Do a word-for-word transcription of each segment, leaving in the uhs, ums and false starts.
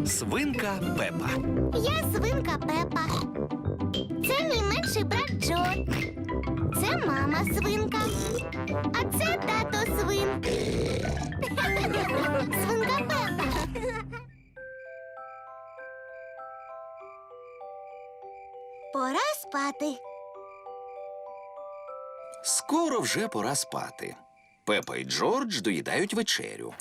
Свинка Пепа. Я свинка Пепа. Це мій менший брат Джо. Це мама свинка. А це тато свин. Свинка Пепа. Пора спати. Скоро вже пора спати. Пепа і Джордж доїдають вечерю.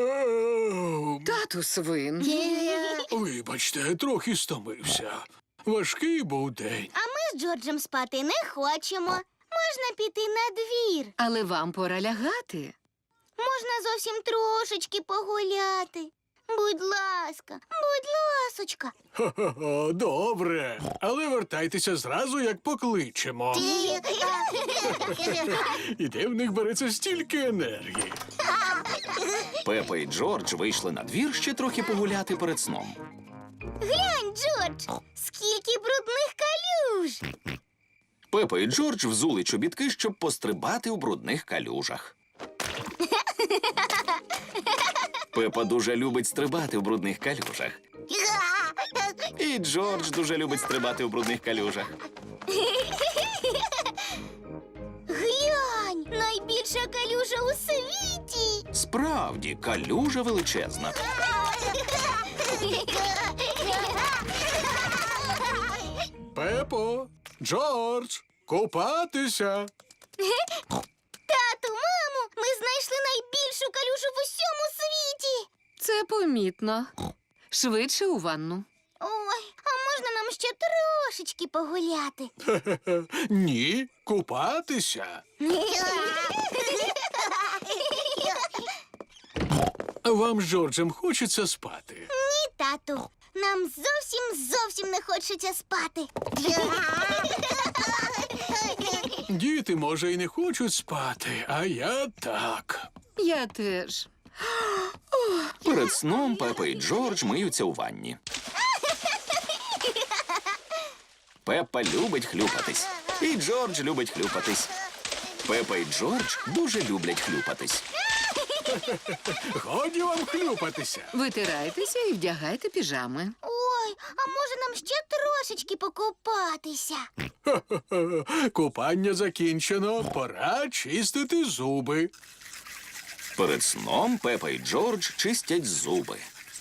Тату свин. Вибачте, трохи стомився. Важкий був день. А ми з Джорджем спати не хочемо. Можна піти на двір. Але вам пора лягати. Можна зовсім трошечки погуляти. Будь ласка, будь ласочка. Хо-хо-хо, добре. Але вертайтеся зразу, як покличемо. І де в них береться стільки енергії? Пепа і Джордж вийшли на двір ще трохи погуляти перед сном. Глянь, Джордж, скільки брудних калюж. Пепа і Джордж взули чобітки, щоб пострибати у брудних калюжах. Пепа дуже любить стрибати в брудних калюжах. І Джордж дуже любить стрибати в брудних калюжах. Глянь, найбільша калюжа у світі. Справді, калюжа величезна. Пепо, Джордж, купатися. Тату, мамо, ми знайшли найбільшу калюжу в усьому світі. Це помітно. Швидше у ванну. Ой, а можна нам ще трошечки погуляти? Хе-хе-хе. Ні, купатися. Вам з Джорджем хочеться спати. Ні, тату, нам зовсім зовсім не хочеться спати. Діти, може, і не хочуть спати, а я так. Я теж. Перед сном Пепа і Джордж миються у ванні. Пепа любить хлюпатись. І Джордж любить хлюпатись. Пепа і Джордж дуже люблять хлюпатись. Годі вам хлюпатися. Витирайтеся і вдягайте піжами. Ой, а може нам ще трошечки покупатися? Хе-хе-хе. Купання закінчено, пора чистити зуби. Перед сном Пепа і Джордж чистять зуби.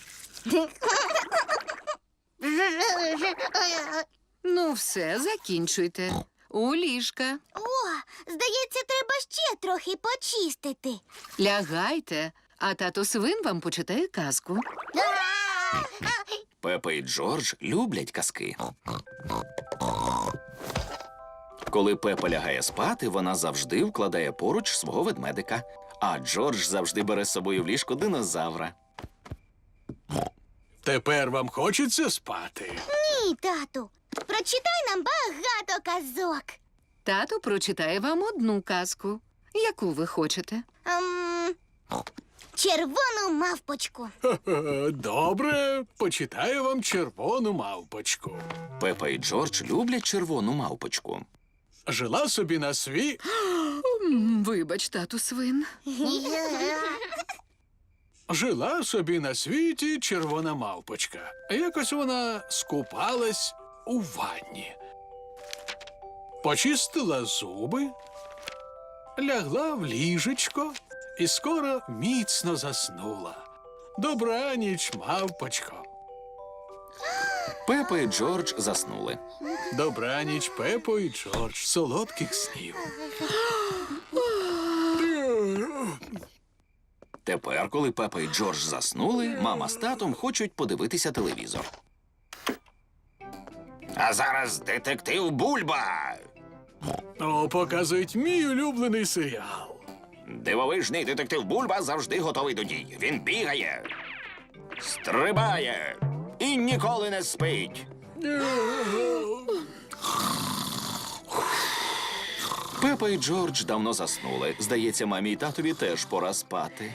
Ну все, закінчуйте. У ліжка. О, здається, треба ще трохи почистити. Лягайте, а тато свин вам почитає казку. Пепа і Джордж люблять казки. Коли Пепа лягає спати, вона завжди вкладає поруч свого ведмедика, а Джордж завжди бере з собою в ліжко динозавра. Тепер вам хочеться спати. Ні, тату, прочитай нам багато казок. Тато прочитає вам одну казку. Яку ви хочете? Ем, червону мавпочку. Хе-хе. Добре, почитаю вам червону мавпочку. Пепа і Джордж люблять червону мавпочку. Жила собі на сві... М, Вибач, тату свин. Жила собі на світі червона мавпочка. Якось вона скупалась у ванні. Почистила зуби, лягла в ліжечко і скоро міцно заснула. Добраніч, мавпочко. Пепа і Джордж заснули. Добраніч, Пепо і Джордж. Солодких снів. Тепер, коли Пепа і Джордж заснули, мама з татом хочуть подивитися телевізор. А зараз детектив Бульба. О, показують мій улюблений серіал. Дивовижний детектив Бульба завжди готовий до дій. Він бігає, стрибає і ніколи не спить. Пепа і Джордж давно заснули. Здається, мамі і татові теж пора спати.